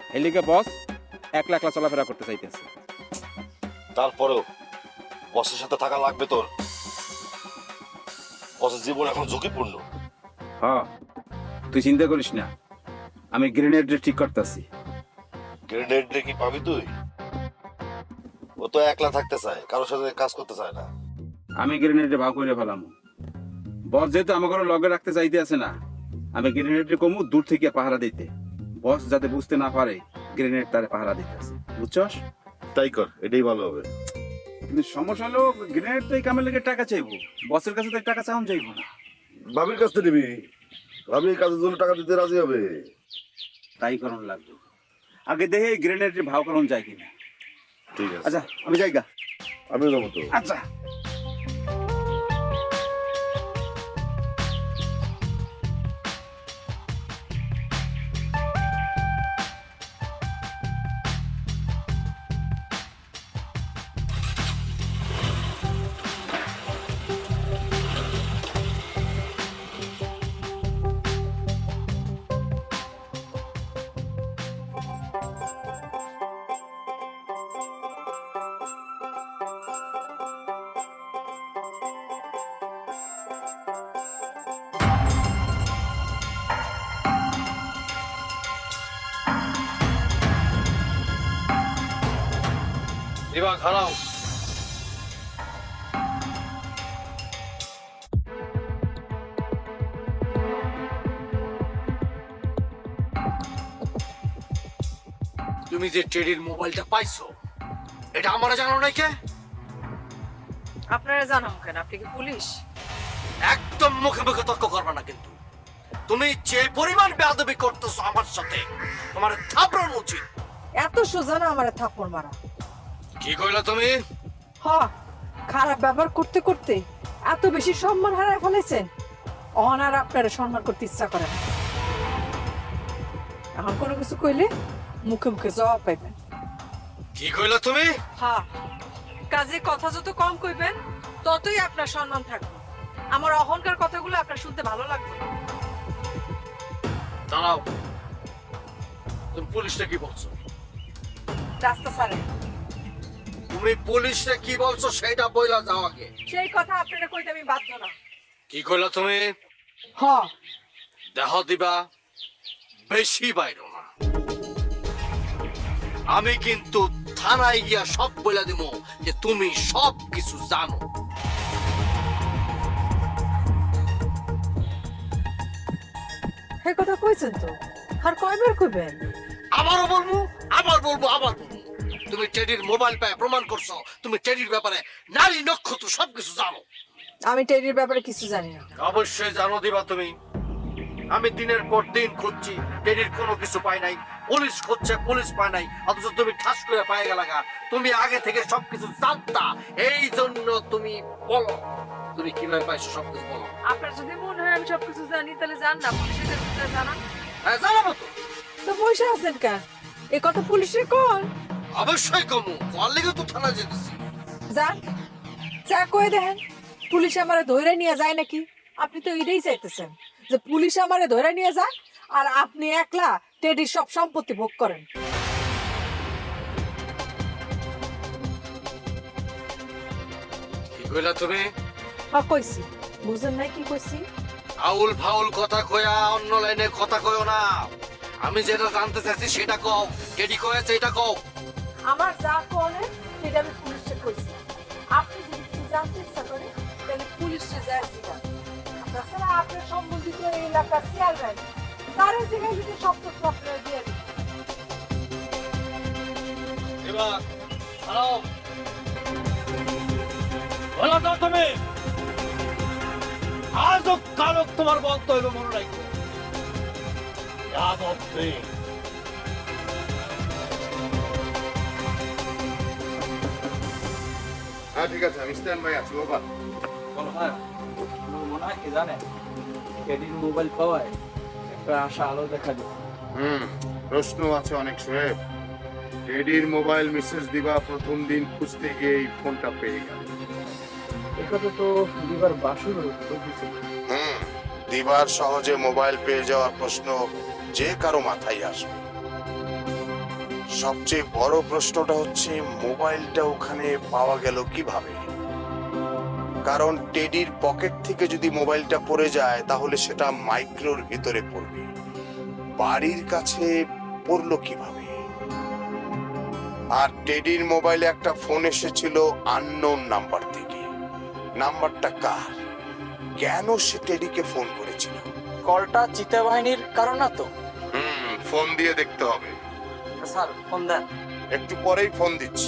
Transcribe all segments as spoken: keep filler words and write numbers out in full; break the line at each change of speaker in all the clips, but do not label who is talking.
হেলিকে বস একলা একলা চলাফেরা করতে চাইতেছে।
তারপরেও বসের সাথে থাকা লাগবে তোর। বসের জীবন এখন ঝুঁকিপূর্ণ।
হ্যাঁ, তুই চিন্তা করিস না, আমি গ্রেনেড ঠিক করতেছি।
গ্রেনেড রে কি পাবি তুই? ও তো একলা থাকতে চায়, কারোর সাথে কাজ করতে চায় না।
আমি গ্রেনেডে ভাগ করে ফেলাম। বস যেহেতু আমাকে লগে রাখতে চাইতে আছে না, আমি গ্রেনেডে কমু দূর থেকে পাহারা দিতে। বস যাতে বুঝতে না পারে গ্রেনেড তারে পাহারা দিতে আছে, বুঝছস?
তাই কর, এটাই ভালো হবে।
কিন্তু সমস্যা হলো গ্রেনেড তো এই কামের লেগে টাকা চাইবো, বসের কাছে তো টাকা চাওয়া যাইবো না।
ভাবির কাছ থেকে নিবি, ভাবি এই কাজের জন্য টাকা দিতে রাজি হবে।
তাই করণ লাগবে। আগে দেখে গ্রেনেডের ভাव করণ যায় কিনা।
ঠিক আছে,
আচ্ছা আমি যাইগা।
আমিও যাবো তো।
আচ্ছা।
এবার খারাও।
তুমি যে টেডির মোবাইলটা পাইছো এটা আমরা জানো নাই কে?
আপনারা জানাম কেন? আপনি কি পুলিশ?
একদম মুখে মুখে তর্ক করবে না কিন্তু। তুমি যে পরিমাণ বেয়াদবি করতেছো আমার সাথে, তোমার থাপড়ানো উচিত।
এত সোজা না আমার থাপ্পড় মারা।
কি কইলা তুমি?
হ, খারাপ ব্যবহার করতে করতে এত বেশি সম্মান হারায় ফেলেছেন, অনার আপনারা সম্মান করতে ইচ্ছা করে না। এখন কোনো কিছু কইলে মুখে মুখে জবাব পাইবেন।
কি কইলা তুমি?
হ্যাঁ, কাজে কথা যত কম কইবেন ততই আপনার সম্মান থাকবে। আমার অহংকার কথাগুলো আপনার শুনতে ভালো লাগবে।
দাঁড়াও, তুমি পুলিশটা কি বলছো?
রাস্তা ছাড়ে
তুমি পুলিশটা কি বলছো সেটা বইলা যাও আগে।
সেই কথা আপনারা কইতে আমি বাধ্য না।
কি কইলা তুমি?
হ,
দেহ দিবা, বেশি বাইরো না। আমি কিন্তু থানায় গিয়া সব বইলা দিব যে তুমি সব কিছু জানো।
সেই কথা কইছেন তো, আর কয়বার কইবেন?
আবারও বলবো, আবার বলবো, আবার বলবো। তুমি টেডির মোবাইল পায় প্রমাণ করছো তুমি টেডির ব্যাপারে নারী নক্ষত্র সবকিছু জানো।
আমি টেরির ব্যাপারে কিছু জানি না।
অবশ্যই জানো দিবা তুমি। আমি দিনের পর দিন খুঁজছি, টেডির কোনো কিছু পাই নাই। পুলিশ খুঁজছে, পুলিশ পায় নাই, অথচ তুমি ঠাস করে পায়ে গেলা। তুমি আগে থেকে সবকিছু জানতা, এই জন্য তুমি বলো তুমি কিভাবে পাইছো সবকিছু বলো।
আপনার যদি মনে হয় আমি সবকিছু জানি তাহলে জান না, পুলিশের কাছে জানান।
হ্যাঁ জানাবো তো।
তো বসে আছেন কেন? এই কথা পুলিশে কল।
অবশ্যই কমু, কল লেগে তো থানা যেতেছি।
যান, যা কয়ে দেখেন পুলিশ আমারে ধরে নিয়ে যায় নাকি। আপনি তো এটাই চাইতেছেন যে পুলিশ আমারে ধরে নিয়ে যায় আর আপনি একলা টেডির সব সম্পত্তি ভোগ করেন।
কি কইলা তুমি?
হ্যাঁ কইছি, বুঝেন নাই কি কইছি?
আউল ফাউল কথা কয়া অন্য লাইনে কথা কয়ো না। আমি যেটা জানতে চাইছি সেটা কও। টেডি কয়েছে এটা কও।
আমার যা করেন সেটা আমি পুলিশে কইছি। আপনি যদি কিছু জানতে ইচ্ছা করেন তাহলে পুলিশে যায় সেটা। তাছাড়া আপনার সম্বন্ধিত এই এলাকার চেয়ারম্যান তার জায়গায় যদি সব তথ্য আপনারা দিয়ে দিন।
এবার হ্যালো বলো তো তুমি আজও কালক তোমার বলতে হইবে মনে রাখো। যাদব সিং
হ্যাঁ ঠিক আছে, আমি স্ট্যান্ড বাই আছি। বাবা
বলো হ্যাঁ, আমার মনে হয় কি জানেন, টেডির মোবাইল পাওয়ায় একটা আশা আলো দেখা দিচ্ছে।
হুম প্রশ্ন আছে অনেক সোহেব। টেডির মোবাইল মেসেজ দিবা প্রথম দিন খুঁজতে গিয়ে এই ফোনটা পেয়ে গেল।
এখানে তো দিবার বাসুর কিছু।
হুম দিবার সহজে মোবাইল পেয়ে যাওয়ার প্রশ্ন যে কারো মাথায় আসবে। সবচেয়ে বড় প্রশ্নটা হচ্ছে মোবাইলটা ওখানে পাওয়া গেল কিভাবে? কারণ টেডির পকেট থেকে যদি মোবাইলটা পড়ে যায় তাহলে সেটা মাইক্রোর ভিতরে পড়বে, বাড়ির কাছে পড়লো কিভাবে? আর টেডির মোবাইলে একটা ফোন এসেছিল আননোন নাম্বার থেকে। নাম্বারটা কার? কেন সে টেডিকে ফোন করেছিল?
কলটা চিতা বাহিনীর কারণ না তো?
হুম, ফোন দিয়ে দেখতে হবে।
স্যার ফোন দেন।
একটু পরেই ফোন দিচ্ছি।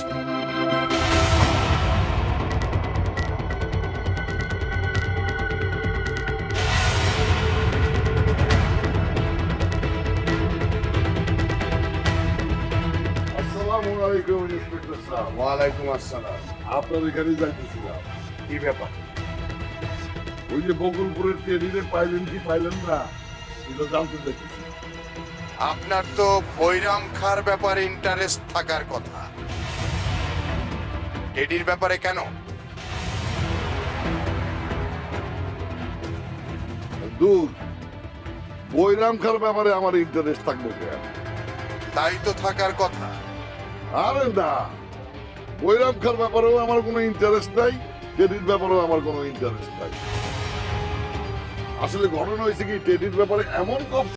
আসসালামু আলাইকুম ইন্সপেক্টর স্যার।
ওয়ালাইকুম আসসালাম।
আপনার এখানে যাইতেছিলাম।
কি ব্যাপার?
ওই যে বকুলপুরের টেরিরে পাইলেন কি পাইলেন না এটা জানতে দেখেছি।
আপনার তো বৈরাম খার ব্যাপারে ইন্টারেস্ট থাকার কথা, টেডির ব্যাপারে কেন?
দূর, বৈরাম খার ব্যাপারে আমার ইন্টারেস্ট থাকবে কেন?
তাই তো থাকার কথা।
আরে না, বৈরাম খার ব্যাপারেও আমার কোনো ইন্টারেস্ট নাই, টেডির ব্যাপারেও আমার কোনো ইন্টারেস্ট নাই। আসলে ঘটনা হয়েছে কি, টেডির ব্যাপারে এমন কপ